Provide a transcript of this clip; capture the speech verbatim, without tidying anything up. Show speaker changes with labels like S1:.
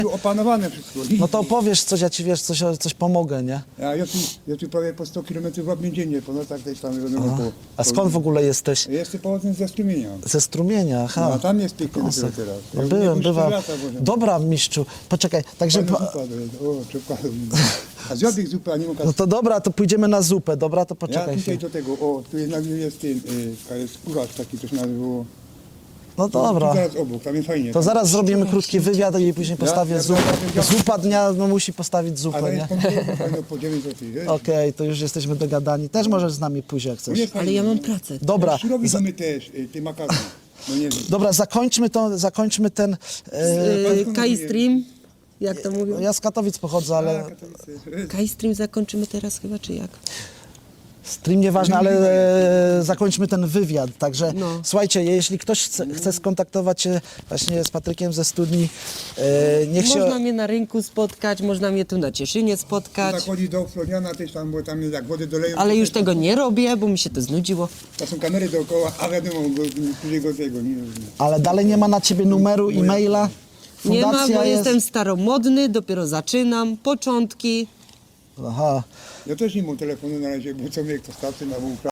S1: Tu opanowane wszystko.
S2: No to opowiesz coś, ja ci wiesz, coś, coś pomogę, nie?
S1: A ja tu, ja tu prawie po sto kilometrów w Obniędzienie, po nocach też tam wiadomo, po,
S2: A skąd w ogóle jesteś?
S1: Ja jestem pochodząc ze Strumienia.
S2: Ze Strumienia, aha.
S1: No, a tam jest pięknie dopiero
S2: Kosek.
S1: teraz.
S2: No
S1: Ja
S2: byłem,
S1: już cztery
S2: bywa.
S1: lata byłem.
S2: Dobra, mistrzu, poczekaj, także...
S1: Fajna
S2: Po...
S1: zupa to jest. O, czekaj. A zjadł ich zupę, a nie mógł.
S2: No to dobra, to pójdziemy na zupę, dobra, to
S1: Ja
S2: poczekaj
S1: tutaj
S2: chwilę.
S1: do tego, o, tu jednak jest ten, y, jest kucharz taki, to się nazywało.
S2: No dobra.
S1: Tu zaraz obok, tam jest fajnie.
S2: To zaraz zrobimy krótki wywiad i później postawię
S1: ja
S2: zupę.
S1: ja-
S2: Zupa dnia, no musi postawić
S1: Ale
S2: zupę, nie?
S1: jest pomidorów, fajno po dziewięć złotych, wiesz?
S2: Okej, to już jesteśmy dogadani. Też możesz z nami pójść, jak
S1: No
S2: chcesz.
S1: nie fajnie,
S3: Ale ja mam
S1: no.
S3: pracę.
S2: Dobra,
S1: Surowi
S2: za,
S1: my też, y, ty makaron. No nie wiem.
S2: dobra, zakończmy to, zakończmy ten... E,
S3: Yy, Kai Stream, jak to mówią?
S2: ja z Katowic pochodzę, ale
S1: A, Katowice.
S3: Kai Stream zakończymy teraz chyba, czy jak?
S2: stream nieważne, ale e, zakończmy ten wywiad. Także
S3: No.
S2: słuchajcie, jeśli ktoś chce, chce skontaktować się właśnie z Patrykiem ze studni, e, niech się...
S3: Można mnie na rynku spotkać, można mnie tu na Cieszynie
S1: Tak
S3: spotkać,
S1: chodzi do Floriana też tam, bo tam jak wodę doleją.
S3: ale
S1: to
S3: już
S1: też-
S3: tego nie robię, bo mi się to znudziło.
S1: To są kamery dookoła, a wiadomo, go, którego tego nie
S2: Ale dalej nie ma na ciebie numeru, e-maila?
S3: Nie ma,
S2: Fundacja
S3: bo
S2: jest...
S3: jestem staromodny, dopiero zaczynam, początki.
S2: Aha.
S1: Ja też nie mam telefonu na razie, bo co mnie postawcy na